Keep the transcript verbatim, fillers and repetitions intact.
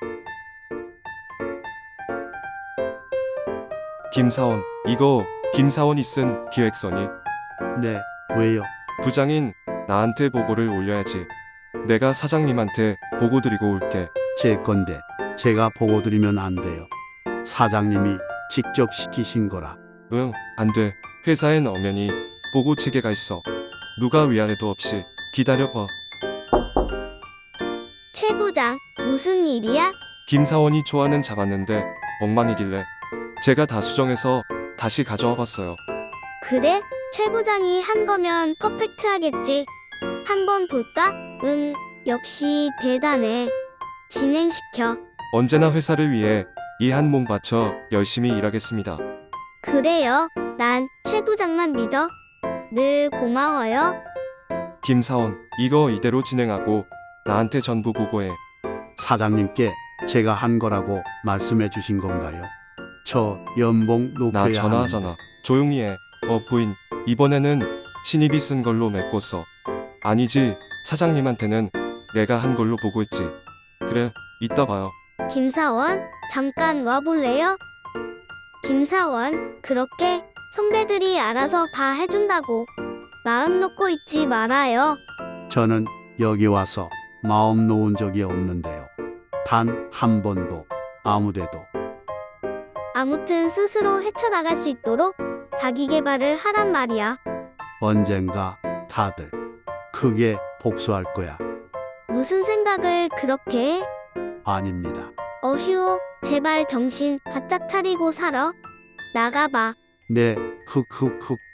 김사원, 이거 김사원이 쓴 기획서니? 네, 왜요? 부장인 나한테 보고를 올려야지. 내가 사장님한테 보고 드리고 올게. 제 건데 제가 보고 드리면 안 돼요. 사장님이 직접 시키신 거라. 응, 안 돼. 회사엔 엄연히 보고 체계가 있어. 누가 위아래도 없이 기다려봐. 최 부장, 무슨 일이야? 김사원이 초안은 잡았는데 엉망이길래 제가 다 수정해서 다시 가져와 봤어요. 그래? 최 부장이 한 거면 퍼펙트하겠지. 한번 볼까? 응, 역시 대단해. 진행시켜. 언제나 회사를 위해 이 한 몸 바쳐 열심히 일하겠습니다. 그래요. 난 최 부장만 믿어. 늘 고마워요. 김사원, 이거 이대로 진행하고 나한테 전부 보고해. 사장님께 제가 한 거라고 말씀해 주신 건가요? 저 연봉 높여야 나 전화하잖아. 하는데. 조용히 해. 어 부인, 이번에는 신입이 쓴 걸로 메꿔 써. 아니지, 사장님한테는 내가 한 걸로 보고했지. 그래, 이따 봐요. 김사원, 잠깐 와볼래요? 김사원, 그렇게 선배들이 알아서 다 해준다고 마음 놓고 있지 말아요. 저는 여기 와서 마음 놓은 적이 없는데요. 단 한 번도 아무데도. 아무튼 스스로 헤쳐나갈 수 있도록 자기 개발을 하란 말이야. 언젠가 다들 크게 복수할 거야. 무슨 생각을 그렇게 해? 아닙니다. 어휴, 제발 정신 바짝 차리고 살아. 나가봐. 네, 흑흑흑.